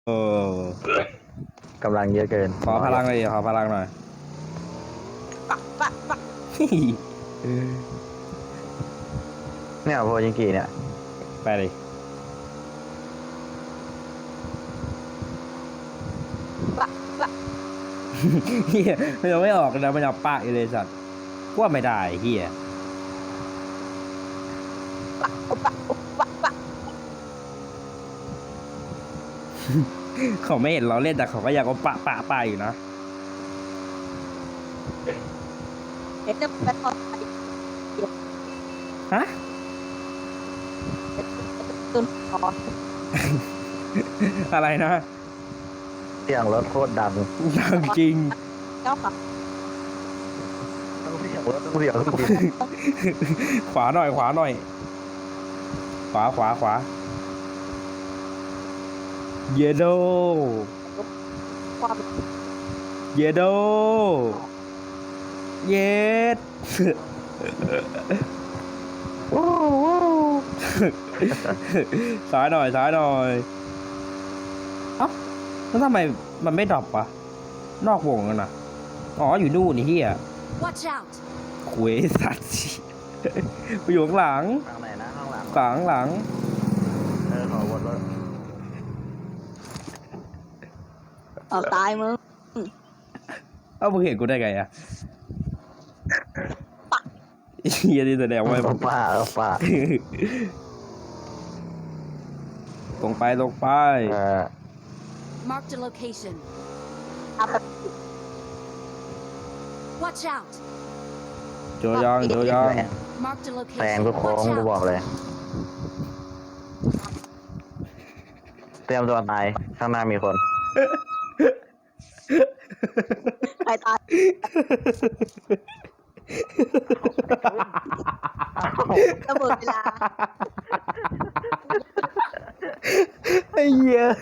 เออกำลังเยอะเกินขอพลังเลยขอพลังหน่อยปักเนี่ยโพจิงกีเนี่ยไปเลยเฮียมันยังไม่ออกนะมันยังปะอยู่เลยสัตว์ว่าไม่ได้เฮียเขาไม่เห็นเราเล่นแต่เขาก็อยากเอาปะอยู่นะเห็นจะเป็นคนฮะตุนคออะไรนะเสียงรถโคตรดังดังจริงเจ้าขับต้องเสียงรถต้องเสียงรถขวาหน่อยขวาหน่อย ขวาเยโดความเยโดเยด ซ้ายหน่อยเอ้าแล้วทำไมมันไม่ดรอปวะนอกวงกันนะอ๋ออยู่นู่นนี่เฮีย Watch out! คุยสัตว์ ไปอยู่ข้างหลังทางไหนนะข้างหลังหลังขอวนรถเอาตายมึงเอ้ามึงเห็นกูได้ไงอะเฮียนี่แสดงว่าป้าป้าตรงไป Marked a location. เอาไป Watch out! โจยอง Marked a แซง location. ทุกโค้ง Watch กูบอก out! เลย เตรียมตัวตายข้างหน้ามีคนใครตายระเบิดเวลาไอ้เหี้ย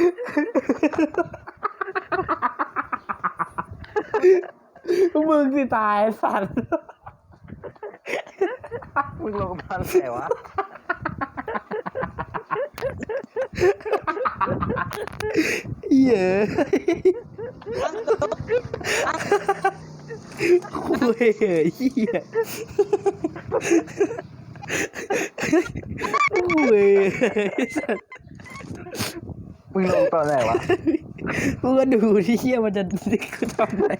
มึงสิตายสัตว์มึงลงทันไหนวะเหี้ยคุยเหี้ยคุยสัตว์มึงลงตอนไหนวะมึงก็ดูที่เหี้ยมันจะทำไร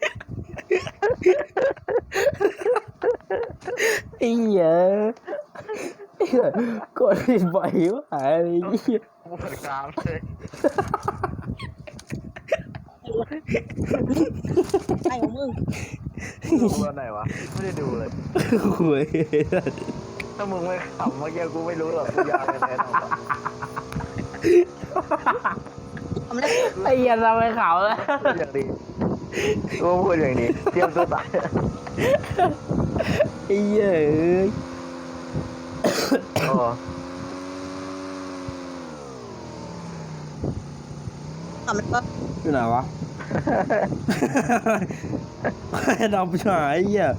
ไอ้เหี้ยกดผิดบ่อยว่ะไอ้เหี้ยปวดกรามเลยไอ้ของมึงลงตอนไหนวะไม่ได้ดูเลยคุยถ้ามึงไม่ขำเมื่อกี้กูไม่รู้หรอกกูยาวไปแน่นอนทำได้ไอ้เหี้ยเราไปเขาแล้วพูดอย่างนี้กูพูดอย่างนี้เตรียมตัวตายไอ้เหี้ยเอ้ยโอ้ทำได้อยู่ไหนวะดำหายไอ้เหี้ย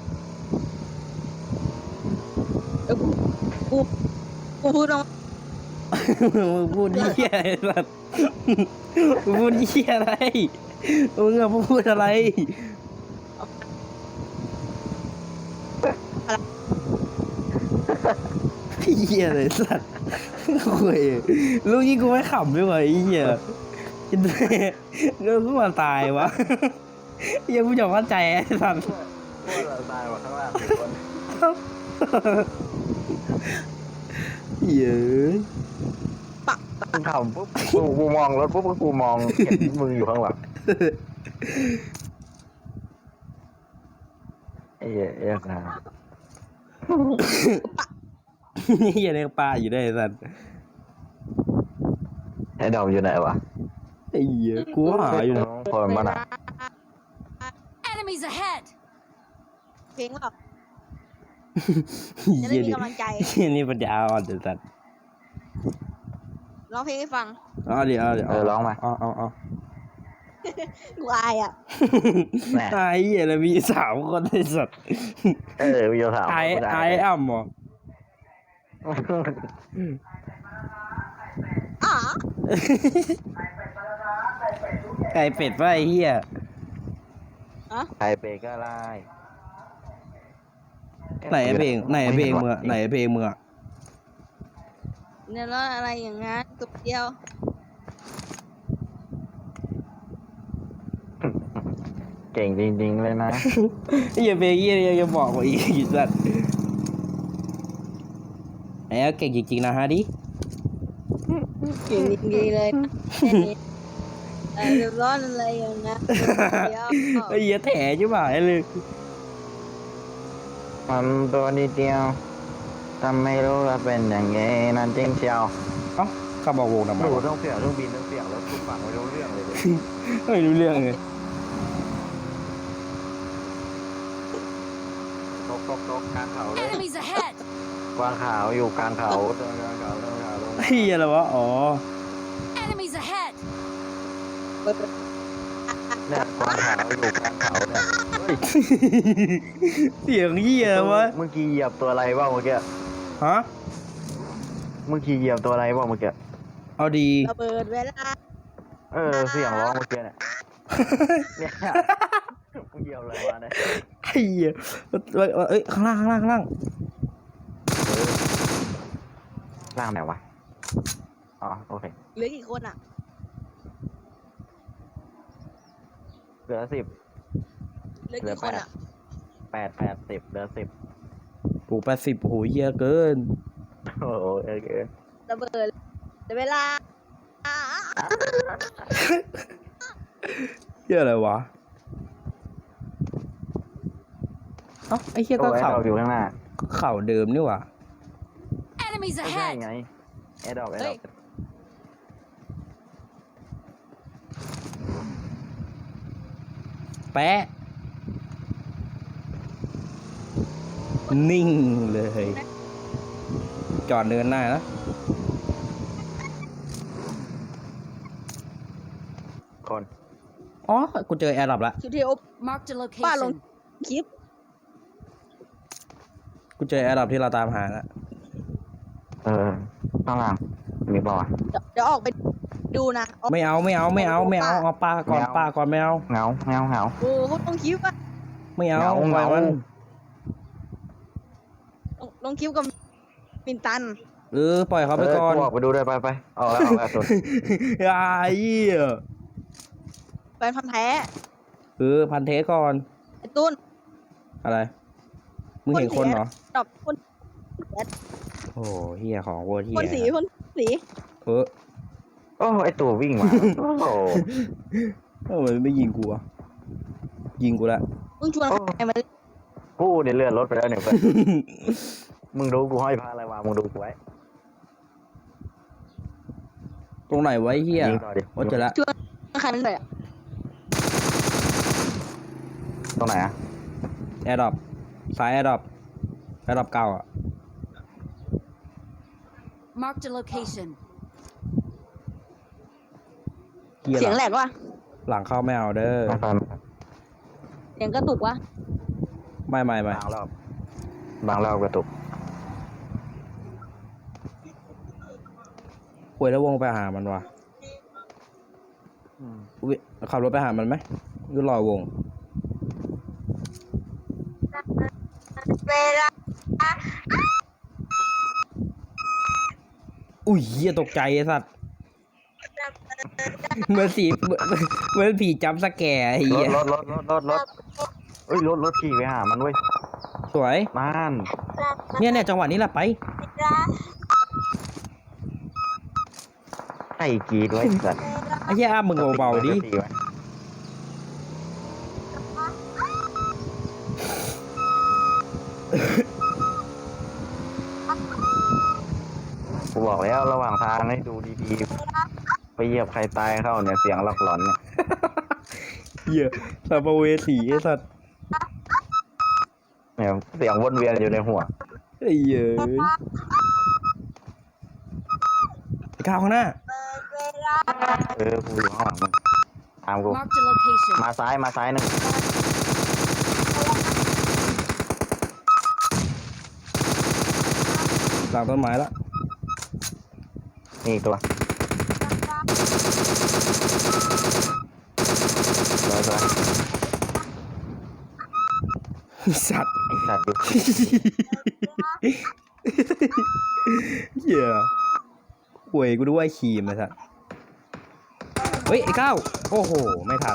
กูพูดตรงมึงพูดเหี้ยอะไรสัตว์มึงพูดเหี้ยอะไรมึงอะพูดอะไรเหี้ยเลยสัตว์คุยลูกยี่กูไม่ขำด้วยวะไอ้เหี้ยจินเต้ก็กูมาตายวะยังกูจะเข้าใจไอ้สัตว์พวกเราตายหมดข้างล่างคนเยอะมึงขำปุ๊บกูมองรถปุ๊บกูมองเห็นมึงอยู่ข้างหลังไอ้เหี้ยเอ๊ะนะเหี้ยเรียกปลาอยู่ได้ไอ้สัตว์ไอ้ดอมอยู่ไหนวะไอ้เหี้ยกูหาอยู่นะคนมันอ่ะ Enemies ahead! เพลงหรอก จะเหี้ได้ยมีนี่กำลังใจเหี้ยนี่ปัญญาอ่อนไอ้สัตว์ร้องเพลงให้ฟังเอาเดี๋ยวร้องมาเอากูอายอ่ะแหม่ไอ้เหี้ยแล้วมี3 คนไอ้สัตว์วิโยถามไอ้อ่ำเหรออ๋อไก่เป็ดวะไอ้เหี้ยไข่เป็ดก็ไล่ไหนไอ้เพลงไหนไอ้เพลงมึงอะไหนไอ้เพลงมึงอะเนี่ยแล้วอะไรอย่างงั้นตัวเดียวเก่งจริงๆเลยนะไอ้เหี้ยเพลงเหี้ยยังบอกว่าอีกสัตว์ไอ้เหี้ยเก่งจริงๆนะฮะดิเก่งดีๆเลยนะแค่นี้เดือดร้อนอะไรอย่างงั้นตัวเดียวไอ้เหี้ยแถใช่ไหมเลยมันตัวนิดเดียวทำไม่รู้ว่าเป็นอย่างไงนั่นจริงเชียวเอ้าเขาบอกวงทำไมดูวะต้องเสียงต้องบินต้องเสียงแล้วกูฟังไม่รู้เรื่องเลยไม่รู้เรื่องเลยตกกลางเขาเลย Enemies ahead! กวางขาวอยู่กลางเขาเดินกลางเขาเดินกลางเขาลงไอ้เหี้ยอะไรวะอ๋อ Enemies ahead! เนี่ยกวางขาวอยู่กลางเขาเนี่ยเฮ้ยเสียงเหี้ยวะเมื่อกี้เหยียบตัวอะไรบ้างเมื่อกี้ฮะเมื่อกี้เหยียบตัวอะไรบ้างเมื่อกี้เอาดีระเบิดเวลาเสียงร้องเมื่อกี้เนี่ยเนี่ยมึงเหยียบอะไรมาเนี่ยไอ้เหี้ยเอ้ยข้างล่างข้างล่างข้างล่างร่างไหนวะอ๋อโอเคเหลือกี่คนอ่ะเหลือ10 เหลือกี่คนอ่ะ 10เหลือ10 ปู80โหเหี้ยเกินโอ้โหโอเคระเบิดเวลาเหี้ยอะไรวะเอ้าไอ้เหี้ยก็ไอ้เข่าดอกอยู่ข้างหน้าเข่าเดิมนี่หว่า Enemies ไม่ใช่ ahead! ไงไอ้ดอกแปะนิ่งเลย จอดเดินหน้านะคนอ๋อ กูเจอแอร์ดรอปละสุดที่โอ Marked a Follow. location. คลิปกูเจอแอร์ดรอปที่เราตามหาละข้างล่างมีบ่อเดี๋ยวออกไปดูนะไม่เอาเอาปลาก่อนไม่เอาปลาก่อนไม่เอาเหงาโอ้โหลงคลิปอ่ะไม่เอาเหงาปล่อยมันลงคลิปกับปินตันปล่อยเขาไปก่อนออกไปดูเลยไปออกแล้วสุดไอ้เหี้ยแฟนพันธ์แท้พันเทสก่อนไอ้ตุ้นอะไร มึงเห็นคนเหรอดอกคนโอ้เหี้ยของโวเหี้ยคนสีโอ้ไอตัววิ่งมาโอ้โหมันไม่ยิงกูอะยิงกูละมึงชวนใครมากูเนี่ยเลื่อนรถไปแล้วเนี่ยเพื่อนมึงดูกูห้อยพาอะไรวะมึงดูกูไว้ตรงไหนไวะไอ้เหี้ยยิงต่อดิโอ้เจอละชวนใครมาเลยอ่ะตรงไหนอะแอร์ดรอปซ้ายแอร์ดรอปเก่าอ่ะ Marked a location. เหี้ยเสียงแหลกว่ะหลังเข้าไม่เอาเด้อไม่ฟังเสียงกระตุกว่ะไม่บางรอบกระตุกคุยแล้ววงไปหามันวะอุ๊ยขับรถไปหามันไหมหรือรอวง อุ้ยเหี้ยตกใจไอ้สัตว์เหมือนผีจับสแกร์ไอ้เหี้ยรถเอ้ยรถขี่ไปหามันเว้ยสวยนั่นเนี่ยจังหวะนี้แหละไปไอ้กรีดไว้สัตว์ไอ้เหี้ยอ้ามึงเบาๆดิกูบอกแล้วระหว่างทางให้ดูดีๆ ไปเหยียบใครตายเข้าเนี่ยเสียงหลอกหลอนเนี่ยเหี้ยสัมภเวสีไอ้สัตว์เนี่ยเสียงวนเวียนอยู่ในหัวไอ้เหี้ยไอ้ข้าวข้างหน้ากูอยู่ข้างหลังมึงตามกู Marked a location. มาซ้ายหนึ่งหลังต้นไม้ละนี่อีกตัวสัตว์ไอ้สัตว์อยู่เหี้ยหวยกูด้วยครีมไอ้สัตว์เฮ้ยไอ้ก้าวโอ้โหไม่ทัน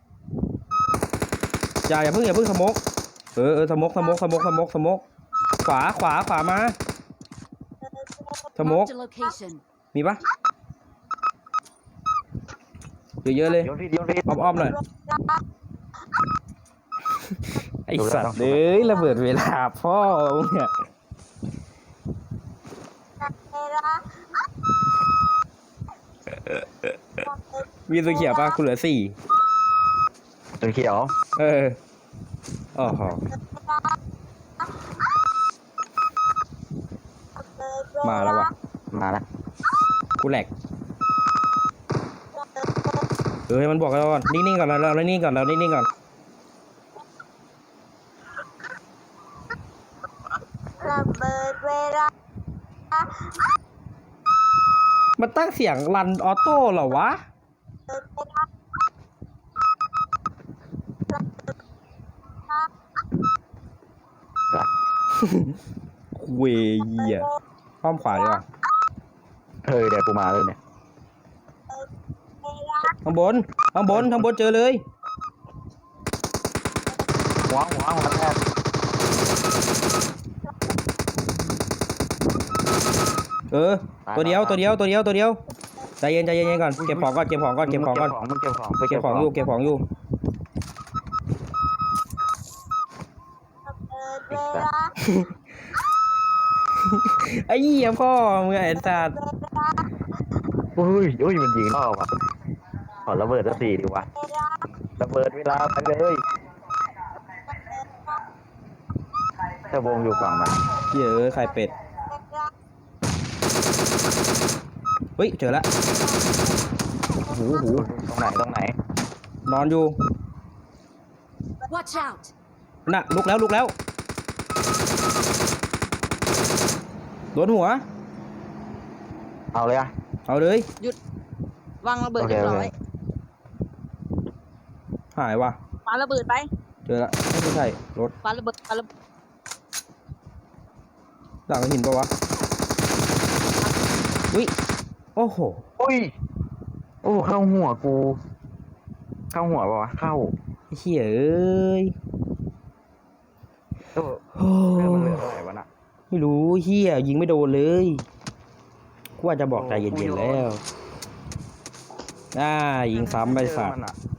อย่าเพิ่งสโมกสโมกขวามาสโมก Marked a location. มีปะเยอะๆเลยโยนผิดโยนผิดอ้อมๆหน่อยไอสัตว์เอ้ยระเบิดเวลาพ่อมึงเนี่ยมีตัวเขียวปะกูเหลือ4 ตัวเขียวโอ้โหมาแล้ววะมาแล้วกูแหลกมันบอกเราก่อนนิ่งๆก่อนเรานิ่งๆก่อนระเบิดเวลามันตั้งเสียงรันออโต้เหรอวะเวียป้อมขวาดีกว่าเดี๋ยวกูมาเลยเนี่ยข้างบนเจอเลยหัวแทบตัวเดียวใจเย็นก่อนเก็บของก่อนมึงเก็บของไปเก็บของอยู่ ไอ้เหี้ยพ่อมึงไอ้สัตว์อุ้ยมันยิงรอบอ่ะขอระเบิดสัก4ดีวะระเบิดเวลาไปเลยเจ้าวงอยู่ฝั่งมันเหี้ยไข่เป็ดเฮ้ยเจอละหูตรงไหนนอนอยู่ Watch out. น่ะลุกแล้วโดนหัวเอาเลยอะเอาเลยวางระเบิดเรียบร้อยหายว่ะปาระเบิดไปเจอละไม่ใช่รถปาระเบิดหลังหินปะวะอุ้ยโอ้โหโอ้เข้าหัวกูเข้าหัวปะวะเข้าไอ้เหี้ยเอ้ยโอ้โอ้เรื่องมันเหลือเท่าไหร่วะน่ะไม่รู้เหี้ยยิงไม่โดนเลยกูว่าจะบอกใจเย็นๆแล้วยิงซ้ำไปสัตว์เจอมันอะ